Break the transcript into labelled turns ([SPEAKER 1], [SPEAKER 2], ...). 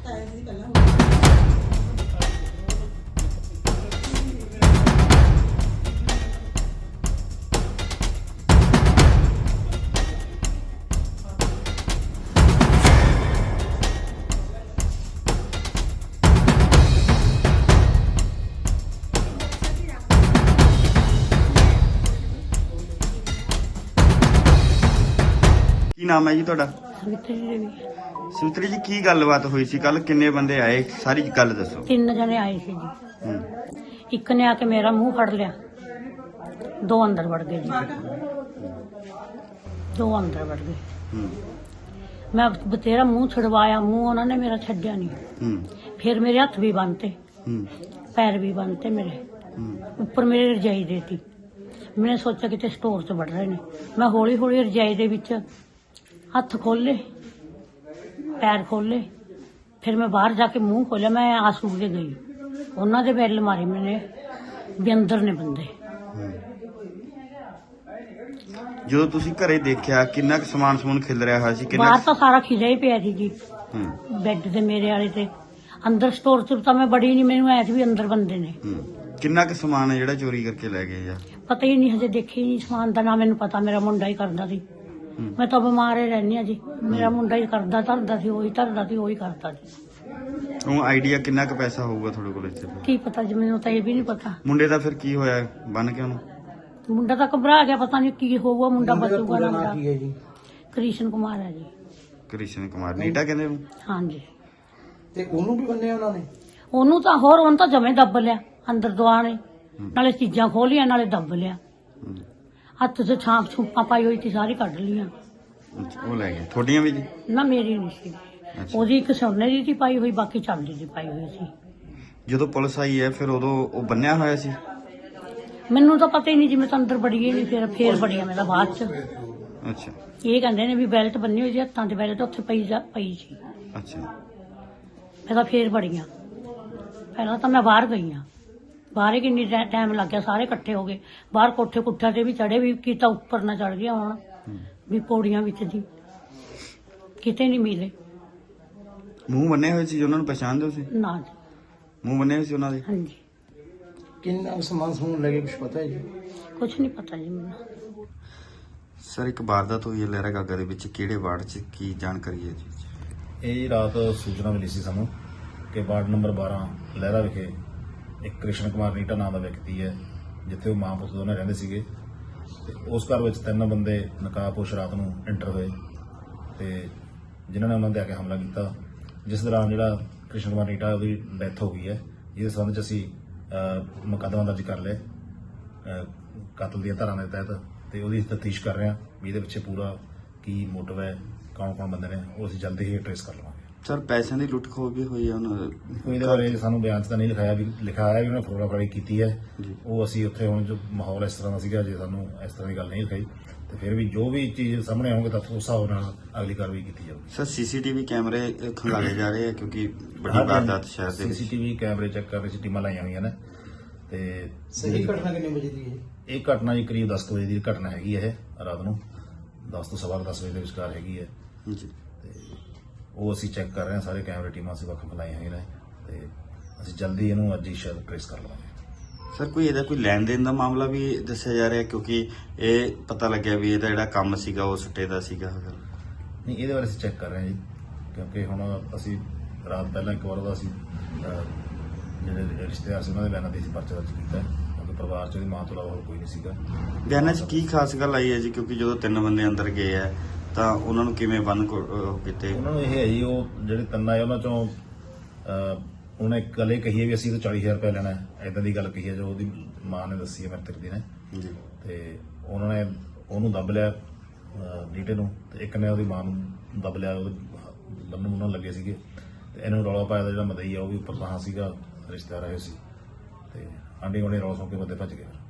[SPEAKER 1] ਕੀ ਨਾਮ ਹੈ ਜੀ ਤੁਹਾਡਾ?
[SPEAKER 2] ਸਵਿਤਰੀ
[SPEAKER 1] ਜੀ ਕੀ ਗੱਲਬਾਤ ਹੋਈ ਸੀ ਕੱਲ? ਕਿੰਨੇ ਬੰਦੇ ਆਏ? ਸਾਰੀ ਗੱਲ ਦੱਸੋ।
[SPEAKER 2] 3 ਜਣੇ ਆਏ ਸੀ ਜੀ। ਇੱਕ ਨੇ ਆके मेरा मुंह फड़ लिया, 2 अंदर बढ़ गए जी, 2 अंदर बढ़ गए। मैं बतेरा मुंह छुड़वाया, मुंह उन्होंने मेरा छड्या नहीं। फिर मेरे हथ भी बनते, पैर भी बनते मेरे, ऊपर मेरे रजाई देती। मैंने सोचा कि स्टोर च बढ़ रहे ने। मैं हौली हौली रजाई दे विच हथ खोले, पैर खोले, फिर मैं बाहर जाके मुंह खोलिया। मैं आंसू के गई, ਉਹਨਾਂ ਦੇ ਬੈਲ ਮਾਰੇ ਮੈਨੇ ਵੀ ਅੰਦਰ ਨੇ ਬੰਦੇ।
[SPEAKER 1] ਜਦੋਂ ਤੁਸੀਂ ਘਰੇ ਦੇਖਿਆ ਕਿੰਨਾ ਕੁ ਸਮਾਨ ਖਿਲ ਰਿਹਾ ਹੋਇਆ ਸੀ?
[SPEAKER 2] ਬਾਹਰ ਤਾਂ ਸਾਰਾ ਖਿਲਿਆ ਹੀ ਪਿਆ ਸੀ ਜੀ, ਬੈੱਡ ਤੇ ਮੇਰੇ ਵਾਲੇ ਤੇ। ਅੰਦਰ ਸਟੋਰ ਚ ਤਾਂ ਮੈਂ ਬੜੀ ਨਹੀਂ, ਮੈਨੂੰ ਐ ਸੀ ਵੀ ਅੰਦਰ ਬੰਦੇ ਨੇ।
[SPEAKER 1] ਕਿੰਨਾ ਕੁ ਸਮਾਨ ਹੈ ਜਿਹੜਾ ਚੋਰੀ ਕਰਕੇ ਲੈ ਗਏ? ਜਾਂ
[SPEAKER 2] ਪਤਾ ਹੀ ਨਹੀਂ, ਹਜੇ ਦੇਖੀ ਨਹੀਂ ਸਮਾਨ ਦਾ। ਨਾ ਮੈਨੂੰ ਪਤਾ, ਮੇਰਾ ਮੁੰਡਾ ਹੀ ਕਰਦਾ ਸੀ। ਮੈਂ ਤਾਂ ਬਿਮਾਰ ਹੀ ਰਹਿੰਦੀ ਆ ਜੀ। ਮੇਰਾ ਮੁੰਡਾ ਹੀ ਧਰਦਾ ਸੀ, ਉਹੀ ਕਰਦਾ ਸੀ।
[SPEAKER 1] ਉਹ ਆਈਡੀਆ ਕਿੰਨਾ ਕੁ ਪੈਸਾ ਹੋਊਗਾ ਤੁਹਾਡੇ ਕੋਲ ਇੱਥੇ?
[SPEAKER 2] ਕੀ ਪਤਾ ਜੀ, ਮੈਨੂੰ ਤਾਂ ਇਹ ਵੀ ਨਹੀਂ ਪਤਾ।
[SPEAKER 1] ਮੁੰਡੇ ਦਾ ਫਿਰ ਕੀ ਹੋਇਆ? ਬੰਨ ਕੇ ਉਹਨੂੰ?
[SPEAKER 2] ਮੁੰਡਾ ਤਾਂ ਘਬਰਾ ਗਿਆ, ਪਤਾ ਨਹੀਂ ਕੀ ਹੋਊਗਾ। ਮੁੰਡਾ ਬਚੂਗਾ ਨਾ? ਮੁੰਡਾ ਕ੍ਰਿਸ਼ਨ ਕੁਮਾਰ ਹੈ ਜੀ।
[SPEAKER 1] ਕ੍ਰਿਸ਼ਨ ਕੁਮਾਰ ਨੀਟਾ ਕਹਿੰਦੇ ਉਹਨੂੰ?
[SPEAKER 2] ਹਾਂਜੀ।
[SPEAKER 3] ਤੇ ਉਹਨੂੰ ਵੀ ਬੰਨਿਆ ਉਹਨਾਂ ਨੇ?
[SPEAKER 2] ਉਹਨੂੰ ਤਾਂ ਜਮੇ ਦੱਬ ਲਿਆ ਅੰਦਰ ਦੁਆਣੇ, ਨਾਲੇ ਚੀਜ਼ਾਂ ਖੋਲੀਆਂ ਨਾਲੇ ਦੱਬ ਲਿਆ। ਹੱਥ 'ਚ ਛੂਪਾਂ ਪਾਈ ਹੋਈ ਸੀ, ਸਾਰੀ ਕੱਢ ਲੀਆਂ।
[SPEAKER 1] ਉਹ ਲੈ ਗਏ? ਤੁਹਾਡੀਆਂ ਵੀ ਜੀ?
[SPEAKER 2] ਨਾ ਮੇਰੀ ਨਹੀਂ ਸੀ, ਉਹਦੀ ਇੱਕ ਸੋਨੇ ਦੀ ਸੀ ਪਾਈ ਹੋਈ, ਬਾਕੀ ਚਾਂਦੀ ਦੀ ਪਾਈ ਹੋਈ ਸੀ।
[SPEAKER 1] ਜਦੋਂ ਪੁਲਿਸ ਆਈ ਹੈ ਫਿਰ ਉਦੋਂ ਉਹ ਬੰਨਿਆ ਹੋਇਆ ਸੀ?
[SPEAKER 2] ਮੈਨੂੰ ਤਾਂ ਪਤਾ ਹੀ ਨਹੀਂ ਜੀ, ਮੈਂ ਤਾਂ ਅੰਦਰ ਬੜੀ ਹੀ ਨਹੀਂ। ਫੇਰ ਬੜੀਆਂ ਮੈਂ ਤਾਂ ਬਾਅਦ 'ਚ।
[SPEAKER 1] ਅੱਛਾ।
[SPEAKER 2] ਇਹ ਕਹਿੰਦੇ ਨੇ ਵੀ ਬੈਲਟ ਬੰਨੀ ਹੋਈ ਸੀ ਹੱਥਾਂ 'ਚ, ਬੈਲਟ ਉੱਥੇ ਪਈ ਸੀ।
[SPEAKER 1] ਅੱਛਾ।
[SPEAKER 2] ਮੈਂ ਤਾਂ ਫੇਰ ਬੜੀਆਂ। ਪਹਿਲਾਂ ਤਾਂ ਮੈਂ ਬਾਹਰ ਗਈ ਹਾਂ, ਬਾਹਰ ਕਿੰਨੀ ਟਾਈਮ ਲੱਗ ਗਿਆ। ਸਾਰੇ ਇਕੱਠੇ ਹੋ ਗਏ ਬਾਹਰ, ਕੋਠੇ ਕੁੱਠਿਆਂ ਤੇ ਵੀ ਚੜੇ, ਵੀ ਕੀਤਾ ਉੱਪਰ ਨਾ ਚੜ ਗਿਆ ਹੁਣ, ਵੀ ਪੌੜੀਆਂ ਵਿੱਚ ਦੀ ਕਿਤੇ ਨਹੀਂ ਮਿਲੇ।
[SPEAKER 1] ਮੂੰਹ ਬੰਨੇ ਹੋਏ ਸੀ? ਉਹਨਾਂ ਨੂੰ ਪਛਾਣਦੇ ਹੋ ਸੀ?
[SPEAKER 2] ਨਾ ਜੀ।
[SPEAKER 1] ਮੂੰਹ ਬੰਨੇ ਹੋਏ ਸੀ ਉਹਨਾਂ ਦੇ?
[SPEAKER 2] ਹਾਂਜੀ।
[SPEAKER 3] ਕਿੰਨਾ ਸਮਾਨ ਸਮੂਨ ਲੱਗੇ, ਕੁਝ ਪਤਾ ਹੈ ਜੀ?
[SPEAKER 2] ਕੁਛ ਨਹੀਂ ਪਤਾ ਜੀ ਮੈਨੂੰ।
[SPEAKER 1] ਸਰ ਇੱਕ ਵਾਰਦਾਤ ਹੋਈ ਹੈ ਲਹਿਰਾ ਗਾਗਾ ਦੇ ਵਿੱਚ, ਕਿਹੜੇ ਵਾਰਡ 'ਚ, ਕੀ ਜਾਣਕਾਰੀ ਹੈ ਜੀ?
[SPEAKER 4] ਇਹ ਰਾਤ ਸੂਚਨਾ ਮਿਲੀ ਸੀ ਸਾਨੂੰ ਕਿ ਵਾਰਡ ਨੰਬਰ 12 ਲਹਿਰਾ ਵਿਖੇ ਇੱਕ ਕ੍ਰਿਸ਼ਨ ਕੁਮਾਰ ਨੀਟਾ ਨਾਮ ਦਾ ਵਿਅਕਤੀ ਹੈ, ਜਿੱਥੇ ਉਹ ਮਾਂ ਪੁੱਤ ਦੋਨੇ ਰਹਿੰਦੇ ਸੀਗੇ। ਤੇ ਉਸ ਘਰ ਵਿੱਚ 3 ਬੰਦੇ ਨਕਾਬਪੋਸ਼ ਰਾਤ ਨੂੰ ਐਂਟਰ ਹੋਏ ਤੇ ਜਿਨ੍ਹਾਂ ਨੇ ਉਹਨਾਂ ਤੇ ਆ ਕੇ ਹਮਲਾ ਕੀਤਾ, ਜਿਸ ਦੌਰਾਨ ਜਿਹੜਾ ਕ੍ਰਿਸ਼ਨ ਕੁਮਾਰ ਨੀਟਾ ਉਹਦੀ ਡੈਥ ਹੋ ਗਈ ਹੈ। ਜਿਹਦੇ ਸੰਬੰਧ 'ਚ ਅਸੀਂ ਮੁਕੱਦਮਾ ਦਰਜ ਕਰ ਲਿਆ ਕਤਲ ਦੀਆਂ ਧਾਰਾਵਾਂ ਦੇ ਤਹਿਤ, ਤੇ ਉਹਦੀ ਤਫਤੀਸ਼ ਕਰ ਰਹੇ ਹਾਂ ਵੀ ਇਹਦੇ ਪਿੱਛੇ ਪੂਰਾ ਕੀ ਮੋਟਿਵ ਹੈ, ਕੌਣ ਬੰਦੇ ਨੇ, ਉਹ ਅਸੀਂ ਜਲਦੀ ਹੀ ਟ੍ਰੇਸ ਕਰ ਲਵਾਂਗੇ।
[SPEAKER 1] ਸਰ ਪੈਸਿਆਂ ਦੀ ਲੁੱਟ ਖੋਹ ਵੀ ਹੋਈ ਹੈ ਉਹਨਾਂ
[SPEAKER 4] ਕੋਈ ਇਹਦੇ ਬਾਰੇ ਸਾਨੂੰ ਬਿਆਨ 'ਚ ਤਾਂ ਨਹੀਂ ਲਿਖਾਇਆ ਵੀ ਉਹਨੇ ਫੋਟੋਗ੍ਰਾਫੀ ਕੀਤੀ ਹੈ। ਉਹ ਅਸੀਂ ਉੱਥੇ ਹੁਣ ਜੋ ਮਾਹੌਲ ਇਸ ਤਰ੍ਹਾਂ ਦਾ ਸੀਗਾ, ਜੇ ਸਾਨੂੰ ਇਸ ਤਰ੍ਹਾਂ ਦੀ ਗੱਲ ਨਹੀਂ ਲਿਖਾਈ ਤੇ ਫਿਰ ਵੀ ਜੋ ਵੀ ਚੀਜ਼ ਸਾਹਮਣੇ ਆਉਣਗੇ ਤਾਂ ਉਸ ਹਿਸਾਬ ਨਾਲ ਅਗਲੀ ਕਾਰਵਾਈ ਕੀਤੀ ਜਾਊਗੀ।
[SPEAKER 1] ਸਰ ਸੀਸੀਟੀਵੀ ਕੈਮਰੇ ਖੰਗਾਲੇ ਜਾ ਰਹੇ ਆ ਕਿਉਂਕਿ ਵੱਡੀ ਵਾਰਦਾਤ ਸ਼ਹਿਰ ਦੇ ਵਿੱਚ।
[SPEAKER 4] ਸੀਸੀਟੀਵੀ ਕੈਮਰੇ ਚੈੱਕ ਕਰਨ 'ਚ ਟੀਮਾਂ ਲਾਈਆਂ ਹੋਈਆਂ ਨੇ। ਤੇ
[SPEAKER 3] ਸਹੀ ਘਟਨਾ ਕਿੰਨੇ ਵਜੇ ਦੀ ਹੈ?
[SPEAKER 4] ਇਹ ਘਟਨਾ ਜੀ ਕਰੀਬ 10 ਵਜੇ ਦੀ ਘਟਨਾ ਹੈਗੀ ਹੈ। ਇਹ ਰਾਤ ਨੂੰ 10 ਤੋਂ ਸਵਾ 10 ਵਜੇ ਦੇ ਵਿਚਕਾਰ ਹੈਗੀ ਹੈ
[SPEAKER 1] ਜੀ।
[SPEAKER 4] ਤੇ ਉਹ ਅਸੀਂ ਚੈੱਕ ਕਰ ਰਹੇ ਹਾਂ, ਸਾਰੇ ਕੈਮਰੇ ਟੀਮਾਂ ਅਸੀਂ ਵੱਖ ਲਾਈਆਂ ਹੋਈਆਂ ਨੇ ਤੇ ਅਸੀਂ ਜਲਦੀ ਇਹਨੂੰ ਅੱਜ ਹੀ ਸ਼ਾਇਦ ਟ੍ਰੇਸ ਕਰ ਲਵਾਂਗੇ।
[SPEAKER 1] ਸਰ ਕੋਈ ਇਹਦਾ ਕੋਈ ਲੈਣ ਦੇਣ ਦਾ ਮਾਮਲਾ ਵੀ ਦੱਸਿਆ ਜਾ ਰਿਹਾ, ਕਿਉਂਕਿ ਇਹ ਪਤਾ ਲੱਗਿਆ ਵੀ ਇਹਦਾ ਜਿਹੜਾ ਕੰਮ ਸੀਗਾ ਉਹ ਸੁੱਟੇ ਦਾ ਸੀਗਾ?
[SPEAKER 4] ਨਹੀਂ, ਇਹਦੇ ਬਾਰੇ ਅਸੀਂ ਚੈੱਕ ਕਰ ਰਹੇ ਹਾਂ ਜੀ, ਕਿਉਂਕਿ ਹੁਣ ਅਸੀਂ ਰਾਤ ਪਹਿਲਾਂ ਇੱਕ ਵਾਰ ਉਹਦਾ ਅਸੀਂ ਜਿਹੜੇ ਰਿਸ਼ਤੇਦਾਰ ਸੀ ਉਹਨਾਂ ਦੇ ਬਿਆਨਾਂ ਤੇ ਅਸੀਂ ਪਰਚਾ ਦਰਜ ਕੀਤਾ, ਕਿਉਂਕਿ ਪਰਿਵਾਰ 'ਚ ਉਹਦੀ ਮਾਂ ਤੋਂ ਇਲਾਵਾ ਹੋਰ ਕੋਈ ਨਹੀਂ ਸੀਗਾ।
[SPEAKER 1] ਬਿਆਨਾਂ 'ਚ ਕੀ ਖਾਸ ਗੱਲ ਆਈ ਹੈ ਜੀ? ਕਿਉਂਕਿ ਜਦੋਂ 3 ਬੰਦੇ ਅੰਦਰ ਗਏ ਆ ਤਾਂ ਉਹਨਾਂ ਨੂੰ ਕਿਵੇਂ ਬੰਨ ਕੀਤੇ?
[SPEAKER 4] ਉਹਨਾਂ ਨੂੰ ਇਹ ਹੈ ਜੀ, ਉਹ ਜਿਹੜੇ 3 ਆਏ ਉਹਨਾਂ 'ਚੋਂ ਉਹਨੇ ਇੱਕ ਗੱਲ ਇਹ ਕਹੀ ਹੈ ਵੀ ਅਸੀਂ ਤਾਂ 40,000 ਰੁਪਏ ਲੈਣਾ ਹੈ, ਏਦਾਂ ਦੀ ਗੱਲ ਕਹੀ ਹੈ ਜੋ ਉਹਦੀ ਮਾਂ ਨੇ ਦੱਸੀ ਹੈ ਮ੍ਰਿਤਕ ਦੀ ਨੇ ਜੀ। ਤੇ ਉਹਨਾਂ ਨੇ ਉਹਨੂੰ ਦੱਬ ਲਿਆ ਨੀਟੇ ਨੂੰ, ਤੇ ਇੱਕ ਨੇ ਉਹਦੀ ਮਾਂ ਨੂੰ ਦੱਬ ਲਿਆ, ਉਹਦੇ ਬੰਨ੍ਹਣ ਮੁੰਨਣ ਲੱਗੇ ਸੀਗੇ। ਤੇ ਇਹਨੂੰ ਰੌਲਾ ਪਾਇਆ ਦਾ ਜਿਹੜਾ ਮਦਈ ਆ ਉਹ ਵੀ ਉੱਪਰ ਤਾਂ ਸੀਗਾ, ਰਿਸ਼ਤੇਦਾਰ ਆਏ ਸੀ ਤੇ ਆਂਢੀ ਗੁਆਂਢੀ ਰੌਲਾ ਸੁਣ ਕੇ ਬੰਦੇ ਭੱਜ ਗਏ।